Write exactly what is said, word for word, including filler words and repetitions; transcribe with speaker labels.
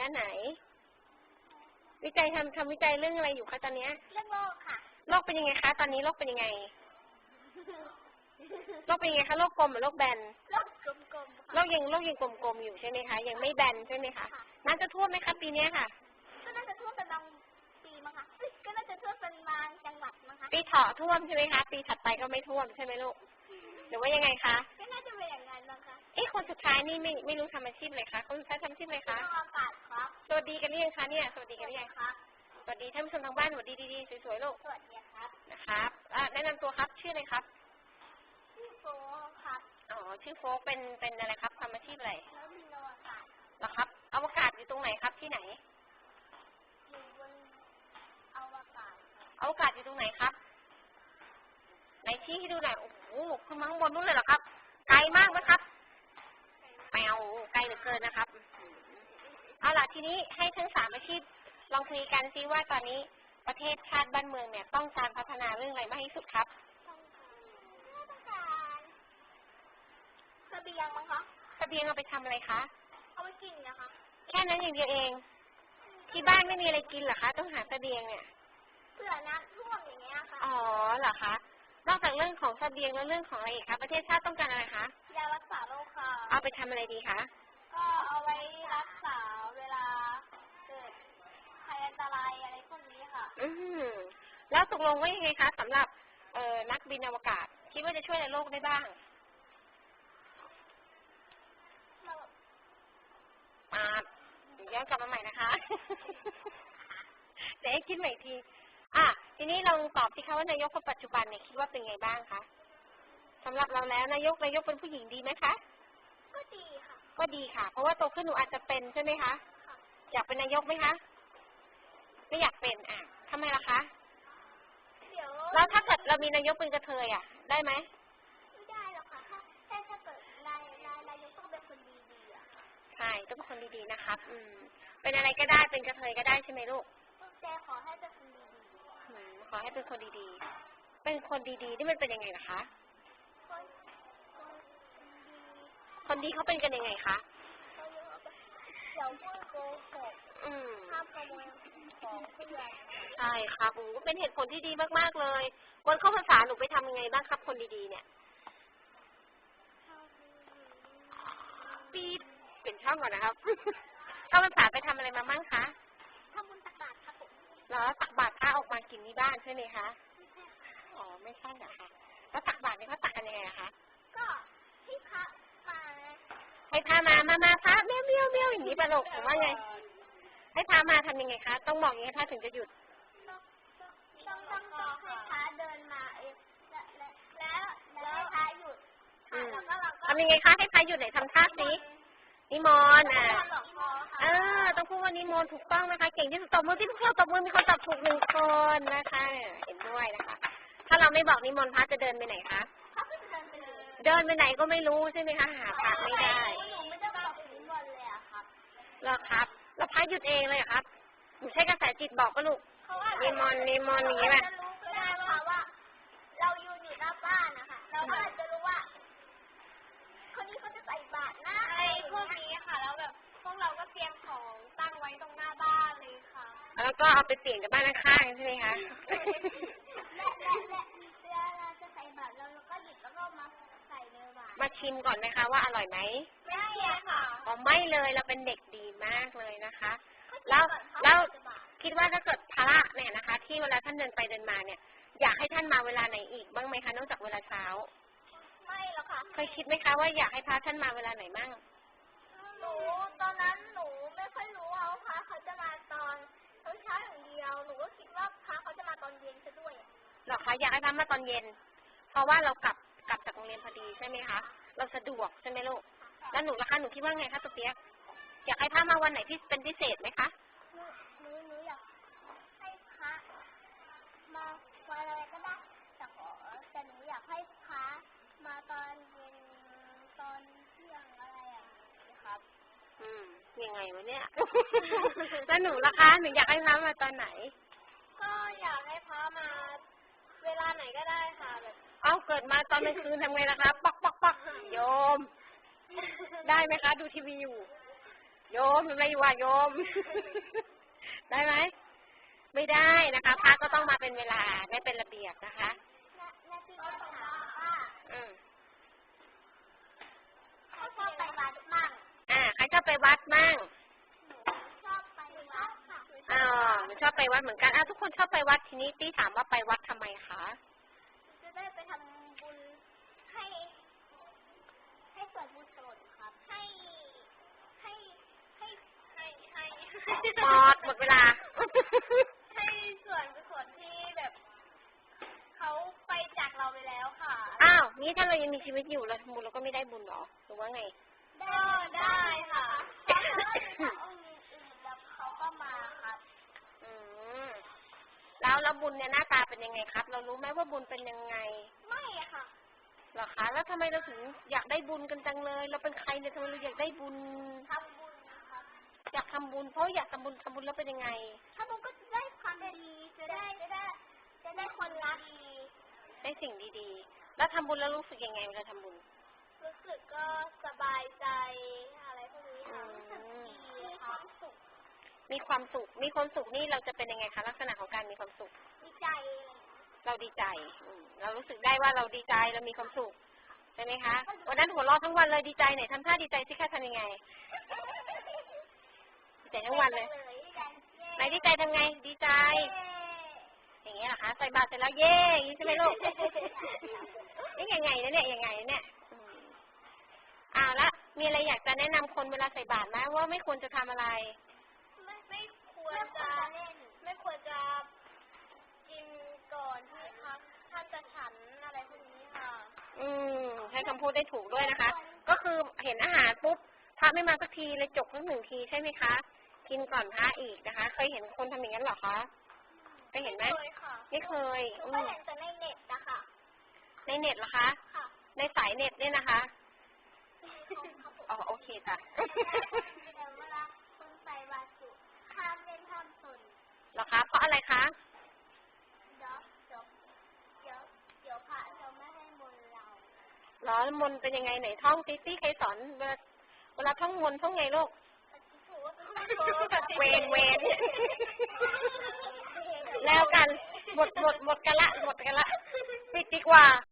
Speaker 1: ด้านไหนวิจัยทำทำวิจัยเรื่องอะไรอยู่คะตอนนี้
Speaker 2: เรื่องโลกค่ะ
Speaker 1: โลกเป็นยังไงคะตอนนี้โลกเป็นยังไงโลกเป็นยังไงคะโลกกลมหรือโลกแบน
Speaker 2: โลกกลมๆ
Speaker 1: โลกยังโลกยังกลมๆอยู่ใช่ไหมคะยังไม่แบนใช่ไหมคะน้ำจะท่วมไหมคะปีนี้ค่ะ
Speaker 2: ก็น่าจะท่วมเป็นบางปีมั้งคะก็น่าจะท่วมเป็นบางจังหวัดมั้งคะ
Speaker 1: ปีเถาะท่วมใช่ไหมคะปีถัดไปก็ไม่ท่วมใช่ไหมลูกหรือว่ายังไงคะ
Speaker 2: ก็น่าจะเป็นอย่างนั้นมั้งคะ
Speaker 1: เอ๊ะคนสุดท้ายนี่ไม่ไม่รู้ทำอาชีพเลยคะคนสุดท้ายทำอาชีพอะไรคะ
Speaker 2: อากาศครับ
Speaker 1: สวัสดีกันหรือยังคะเนี่ยสวัสดีกันหรือยัง
Speaker 2: ครับ
Speaker 1: สวัสดีท่านผู้ชมทางบ้านสวัสดีดีๆสวยๆลูก
Speaker 2: สวัสดีครับ
Speaker 1: นะครับแนะนำตัวครับชื่ออะไรครับ
Speaker 2: ชื่อโฟครับ
Speaker 1: อ๋อชื่อโฟกเป็นเป็นอะไรครับทำอาชีพอะไร
Speaker 2: แล้วมีอวกาศ
Speaker 1: เหรอครับอวกาศอยู่ตรงไหนครับที่ไหน
Speaker 2: อยู่บนอวกาศ
Speaker 1: อวกาศอยู่ตรงไหนครับไหนชี้ให้ดูหน่อยโอ้โหขึ้นมาข้างบนนู้นเลยเหรอครับไกลมากไหมครับแปวไกลเหลือเกินนะครับเอาล่ะทีนี้ให้ทั้งสามอาชีพลองคุยกันซิว่าตอนนี้ประเทศชาติบ้านเมืองเนี่ยต้องการพัฒนาเรื่องอะไรมากที่สุดครับ
Speaker 2: ต้องการเสบียงมั้งคะ
Speaker 1: เสบียงเอาไปทำอะไรคะ
Speaker 2: เอาไปกินนะคะ
Speaker 1: แค่นั้นอย่างเดียวเองที่บ้านไม่มีอะไรกินเหรอคะต้องหาเสบียงเนี่ย
Speaker 2: เผื่อน้ำท่วมอย่างเงี้ยค่ะ
Speaker 1: อ๋อเหรอคะนอกจากเรื่องของเสบียงแล้วเรื่องของอะไรอีกคะประเทศชาติต้องการอะไรคะ
Speaker 2: ยารักษาโรคค่ะ
Speaker 1: เอาไปทำอะไรดีคะ
Speaker 2: ก็เอาไว้รักษาเวลาเกิดภัยอันตรายอะไรพวกนี้ค่ะ
Speaker 1: อืมแล้วตกลงว่ายังไงคะสำหรับเอ่อนักบินอวกาศคิดว่าจะช่วยในโลกได้บ้างมาย้อนกลับมาใหม่นะคะเดี๋ยวให้คิดใหม่ทีอ่ะทีนี้ลองตอบสิคะว่านายกคนปัจจุบันเนี่ยคิดว่าเป็นไงบ้างคะสำหรับเราแล้วนายกนายกเป็นผู้หญิงดีไหมคะ
Speaker 2: ก็ดีค่ะ
Speaker 1: ก็ดีค่ะเพราะว่าโตขึ้นหนูอาจจะเป็นใช่ไหมคะอยากเป็นนายกไหมคะไม่อยากเป็นอ่ะทำไมล่ะคะ
Speaker 2: เดี๋ยว
Speaker 1: แล้วถ้าเกิดเรามีนายกเป็นกระเทยอ่ะได้ไหม
Speaker 2: ไม่ได้หรอกค่ะถ้าถ้าถ้าเกิดนายนายนายกต้องเป็นคนดีๆอ่ะ
Speaker 1: ใช่ต้องเป็นคนดีๆนะครับอืมเป็นอะไรก็ได้เป็นกระเทยก็ได้ใช่ไหมลูก
Speaker 2: แต่ขอให้เป็นคนดี
Speaker 1: ๆขอให้เป็นคนดีๆเป็นคนดีๆนี่มันเป็นยังไงล่ะคะคนดีเขาเป็นกันยังไงคะ
Speaker 2: เดี๋ยวพูดโกหกห้ามขโมยของเพื่อน
Speaker 1: ใช่ครับโอ้เป็นเหตุผลที่ดีมากๆเลยวันเข้าพรรษาหนูไปทำยังไงบ้างครับคนดีๆเนี่ยปี๊ดเป็นช่องก่อนนะครับเข้าพรรษาไปทำอะไรมาบ้างคะ
Speaker 2: ทำบุญตักบาตรครับผม
Speaker 1: แล้วตักบาตรพระออกมากินที่บ้านใช่ไหมคะอ๋อไม่ใช่เหรอคะแล้วตักบาตรนี่เขาตักกันยังไงคะ
Speaker 2: ก็ให้พระมา
Speaker 1: ให้พามามามาพระเมี้ยวเมี้ยวเมี้ยวอย่างนี้ปะลูกผมว่าไงให้พามาทำยังไงคะต้องบอกยังไงพระถึงจะหยุด
Speaker 2: ต้องต้องต้องให้พระเดินมาเองแล้วแล้วให้พระหยุดแล้วก็เราก็
Speaker 1: ทำยังไงคะให้พระหยุดไหนทำท่าสินิมนต์อ่ะเออต้องพูดว่านิมนต์ถูกต้องนะคะเก่งที่สุดตบมือที่พวกเราตบมือมีคนตอบถูกหนึ่งคนนะคะเห็นด้วยนะคะถ้าเราไม่บอกนิมนต์พระจะเดินไปไหนคะเดินไปไหนก็ไม่รู้ใช่ไหมคะหาพระไม่ได้
Speaker 2: หนูไม่ได้บอกนิมนต์เลยอะครับ
Speaker 1: หรอครับแล้วพระหยุดเองเลยครับหนูใช้กระแสจิตบอกก็ลูกนิมนต์นิมนต์อย่างนี้ป่ะ
Speaker 2: จะรู้ก็ได้ค่ะว่าเราอยู่อยู่หน้าบ้านนะคะเราก็จะรู้ว่าคนนี้เขาจะใส่บาตรนะอะไรพวกนี้ค่ะแล้วแบบพวกเราก็เตรียมของตั้งไว้ตรงหน้าบ้านเลยค่ะ
Speaker 1: แล้วก็เอาไปเปลี่ยนกับบ้านข้างๆใช่ไหมคะ
Speaker 2: และและและเวลาเราจะใส่บาตรเราก็หยิบแล้วก็มาใส่ในบาตร
Speaker 1: มาชิมก่อนไหมคะว่าอร่อยไหม
Speaker 2: ไม่เลยค่ะ
Speaker 1: อ๋อไม่เลยเราเป็นเด็กดีมากเลยนะคะแล้วแล้วคิดว่าถ้าเกิดพระเนี่ยนะคะที่เวลาท่านเดินไปเดินมาเนี่ยอยากให้ท่านมาเวลาไหนอีกบ้างไหมคะนอกจากเวลาเช้า
Speaker 2: ไม่หรอกค่ะ
Speaker 1: เคยคิดไหมคะว่าอยากให้พระท่านมาเวลาไหนมั่ง
Speaker 2: หนูตอนนั้นหนูไม่ค่อยรู้ว่าพระเขาจะมาตอนเช้าอย่างเดียวหนูก็คิดว่าพระเขาจะมาตอนเย็นซะด้วย
Speaker 1: หรอคะอยากให้พระมาตอนเย็นเพราะว่าเรากลับกลับจากโรงเรียนพอดีใช่ไหมคะเราสะดวกใช่ไหมลูกแล้วหนูล่ะคะหนูคิดว่าไงคะตุ๊กเปี๊ยกอยากให้พระมาวันไหนที่เป็นพิเศษไหมคะ
Speaker 2: หนูหนูอยากให้พระมาวันอะไรก็ได้แต่ขอแต่หนูอยากให้พระมาตอนเย็นตอนเที่ยงอะไรอย่างนี้ครับ
Speaker 1: อืมยังไงวะเนี่ย แล้วหนูล่ะคะหนูอยากให้พระมาตอนไหน
Speaker 2: ก็อยากให้พระมาเวลาไหนก็ได้ค่ะแบบ
Speaker 1: เอ้าเกิดมาตอนกลางคืนทำไงล่ะคะปักปักปักโยมได้ไหมคะดูทีวีอยู่โโยมทำอะไรอยู่วะโยม ได้ไหมไม่ได้นะคะพระก็ต้องมาเป็นเวลาไม่เป็นระเบียบนะคะ
Speaker 2: แม่พี่ก็ถามว่า
Speaker 1: อืม
Speaker 2: เขาชอบไปวัดมั่ง
Speaker 1: อ่าใครชอบไปวัดมั่ง
Speaker 2: หนูชอบไปวัดค่ะ
Speaker 1: อ๋อหนูชอบไปวัดเหมือนกันอ่ะทุกคนชอบไปวัดทีนี้ตี้ถามว่าไปวัดทำไมคะ
Speaker 2: จะได้ไปทำบุญให้ ให้ส่วนบุญส่วนครับ ให้ให้ให้ให้ให้
Speaker 1: หมดหมดเวลา
Speaker 2: ให้ส่วนกุศลที่แบบเขาไปจากเราไปแล้วค่ะ
Speaker 1: อ้าวนี่ถ้าเรายังมีชีวิตอยู่เราทำบุญเราก็ไม่ได้บุญหรอหรือว่าไง
Speaker 2: ก็ได้ค่ะเพราะว่ามีองค์อื่นแล้วเขาก็มาครับ
Speaker 1: อืมแล้วแล้วบุญเนี่ยหน้าตาเป็นยังไงครับ เรารู้ไหมว่าบุญเป็นยังไง
Speaker 2: ไม่ค่ะ
Speaker 1: เหรอคะแล้วทำไมเราถึงอยากได้บุญกันจังเลยเราเป็นใครเนี่ยทำไมเราอยากได้บุญ
Speaker 2: ทำบุญครับ
Speaker 1: อยากทำบุญเพราะอยากทำบุญทำบุญแล้วเป็นยังไง
Speaker 2: ทำบุญก็จะได้ความดีจะได้จะได้จะได้คนรักดี
Speaker 1: ได้สิ่งดีๆแล้วทำบุญแล้วรู้สึกยังไงเวลาทำบุญ
Speaker 2: รู้สึกก็สบายใจอะไรพวกนี้ค่ะรู้สึกดีมีความสุข
Speaker 1: มีความสุขมีความสุขนี่เราจะเป็นยังไงคะลักษณะของการมีความสุข
Speaker 2: ดีใจ
Speaker 1: เราดีใจเรารู้สึกได้ว่าเราดีใจเรามีความสุขใช่ไหมคะวันนั้นหัวเราะทั้งวันเลยดีใจไหนทำท่าดีใจสิคะทำยังไงดีใจทั้งวันเลยไหนดีใจทำไงดีใจอย่างเงี้ยเหรอคะใส่บาตรเสร็จแล้วเย่อย่างนี้ใช่ไหมลูกนี่ยังไงนะเนี่ยยังไงเนี่ยอ้าวแล้วมีอะไรอยากจะแนะนำคนเวลาใส่บาตรไหมว่าไม่ควรจะทำอะไร
Speaker 2: ไม่ไม่ควรจะเล่นไม่ควรจะกินก่อนที่พักท่านจะฉันอะไรพวกนี้ค่ะ
Speaker 1: อืมใช้คำพูดได้ถูกด้วยนะคะก็คือเห็นอาหารปุ๊บพระไม่มาสักทีเลยจกทั้งหนึ่งทีใช่ไหมคะกินก่อนพระอีกนะคะเคยเห็นคนทำอย่างนั้นหรอคะเคยเห็นไหมไม่เคย
Speaker 2: อืมเห็นแต่ในเน็ตนะคะ
Speaker 1: ในเน็ตเหรอคะ
Speaker 2: ค่ะ
Speaker 1: ในสายเน็ตเนี่ยนะคะอ๋อโอเคจ้ะ
Speaker 2: เวลาคุณใส่บาตรห้ามเล่นห้ามสน
Speaker 1: เหรอคะเพราะอะไรคะ
Speaker 2: เดี๋ยวเดี๋ยวเดี๋ยวเดี๋ยวพระจะไม่ให้มนต์เรา
Speaker 1: เหรอมนต์เป็นยังไงไหนท่องติ๊ตี้ใครสอนเวลาเวลาท่องมนต์ท่องไงลูกเวนเวนแล้วกันหมดหมดหมดกันละหมดกันละปิดดีกว่า